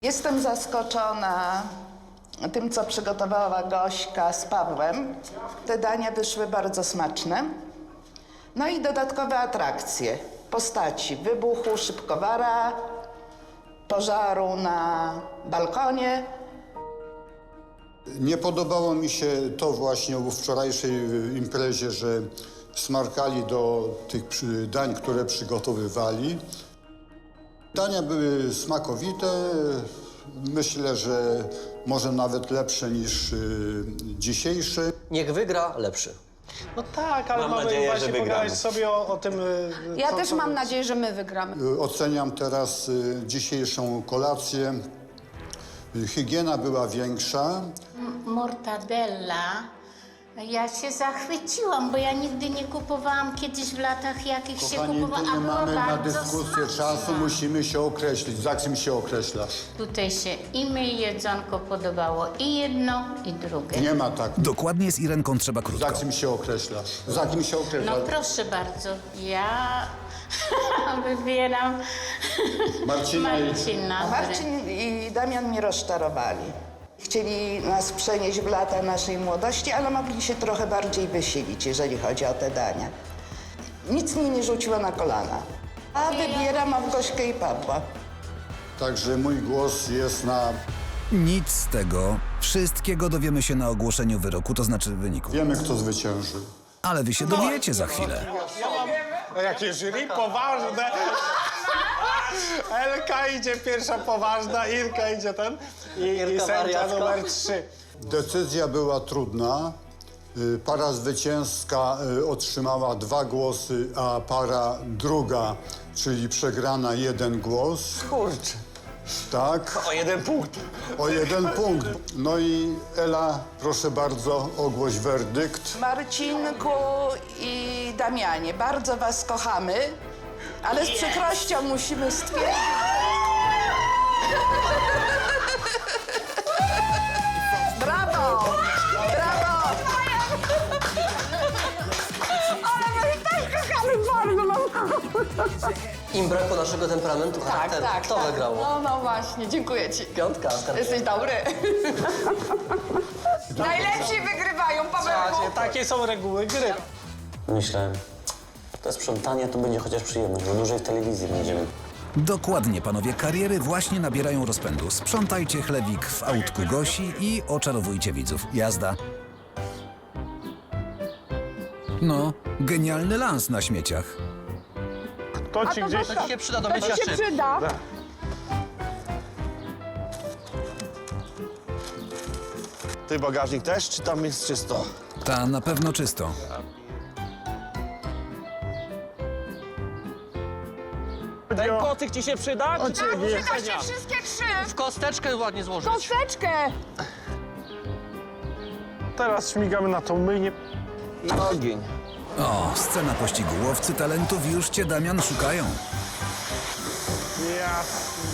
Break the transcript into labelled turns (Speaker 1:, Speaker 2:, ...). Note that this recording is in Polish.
Speaker 1: Jestem zaskoczona tym, co przygotowała Gośka z Pawłem. Te dania wyszły bardzo smaczne. No i dodatkowe atrakcje postaci wybuchu szybkowara, pożaru na balkonie.
Speaker 2: Nie podobało mi się to właśnie w wczorajszej imprezie, że smarkali do tych dań, które przygotowywali. Dania były smakowite. Myślę, że może nawet lepsze niż dzisiejsze.
Speaker 3: Niech wygra lepszy.
Speaker 4: No tak, ale mamy
Speaker 5: nadzieję,
Speaker 4: właśnie
Speaker 5: że wygramy.
Speaker 4: pogadać sobie o tym...
Speaker 6: Ja też mam nadzieję, że my wygramy.
Speaker 2: Oceniam teraz dzisiejszą kolację. Higiena była większa.
Speaker 7: Mortadella. Ja się zachwyciłam, bo ja nigdy nie kupowałam kiedyś w latach jakich się
Speaker 2: Kochani,
Speaker 7: kupowała,
Speaker 2: tu
Speaker 7: a
Speaker 2: nie
Speaker 7: była
Speaker 2: mamy na
Speaker 7: bardzo
Speaker 2: dyskusję
Speaker 7: smaczna.
Speaker 2: czasu, musimy się określić. Za czym się określasz?
Speaker 7: Tutaj się i my jedzonko podobało i jedno, i drugie.
Speaker 2: Nie ma tak.
Speaker 8: Dokładnie z Irenką trzeba
Speaker 2: Za
Speaker 8: krótko.
Speaker 2: czym się określasz? Za kim się
Speaker 7: No
Speaker 2: określasz?
Speaker 7: proszę bardzo, ja wybieram
Speaker 2: Marcina i-
Speaker 7: Marcina.
Speaker 1: Marcin i Damian mnie rozczarowali. Chcieli nas przenieść w lata naszej młodości, ale mogli się trochę bardziej wysilić, jeżeli chodzi o te dania. Nic mnie nie rzuciło na kolana. A wybieram Małgośkę i Pawła.
Speaker 2: Także mój głos jest na...
Speaker 8: Nic z tego. Wszystkiego dowiemy się na ogłoszeniu wyroku, to znaczy wyniku.
Speaker 2: Wiemy, kto zwycięży.
Speaker 8: Ale wy się dowiecie za chwilę.
Speaker 4: Jakie jury poważne. Elka idzie pierwsza poważna, Irka idzie ten i
Speaker 3: Irka
Speaker 4: sędzia
Speaker 3: wariatka.
Speaker 4: numer 3.
Speaker 2: Decyzja była trudna. Para zwycięska otrzymała 2 głosy, a para druga, czyli przegrana 1 głos.
Speaker 5: Kurczę.
Speaker 2: Tak,
Speaker 5: O 1 punkt.
Speaker 2: o 1 punkt. No i Ela, proszę bardzo, ogłoś werdykt.
Speaker 1: Marcinku i Damianie, bardzo was kochamy, ale z przykrością musimy stwierdzić... Brawo! Brawo!
Speaker 3: Im brakło naszego temperamentu, charakteru. Kto wygrał?
Speaker 6: No właśnie, dziękuję ci.
Speaker 3: Piątka.
Speaker 6: Jesteś dobry. Najlepsi wygrywają, Pawełku.
Speaker 4: Słuchajcie, takie są reguły gry.
Speaker 5: Myślę, to sprzątanie to będzie chociaż przyjemność, bo dłużej w telewizji będziemy.
Speaker 8: Dokładnie, panowie, kariery właśnie nabierają rozpędu. Sprzątajcie chlewik w autku Gosi i oczarowujcie widzów. Jazda. No, genialny lans na śmieciach.
Speaker 4: To ci gdzieś...
Speaker 3: To ci się przyda do mycia szyb.
Speaker 6: Przyda.
Speaker 9: Ty bagażnik też, czy tam jest czysto?
Speaker 8: Ta na pewno czysto.
Speaker 4: Ten kocyk ci się przyda? Czy
Speaker 6: Przekażcie wszystkie 3.
Speaker 3: W kosteczkę ładnie złożyć.
Speaker 6: Kosteczkę.
Speaker 4: Teraz śmigamy na tą myjnię.
Speaker 9: I ogień.
Speaker 8: O, scena pościgu. Łowcy talentów już cię, Damian, szukają.
Speaker 4: Jasne.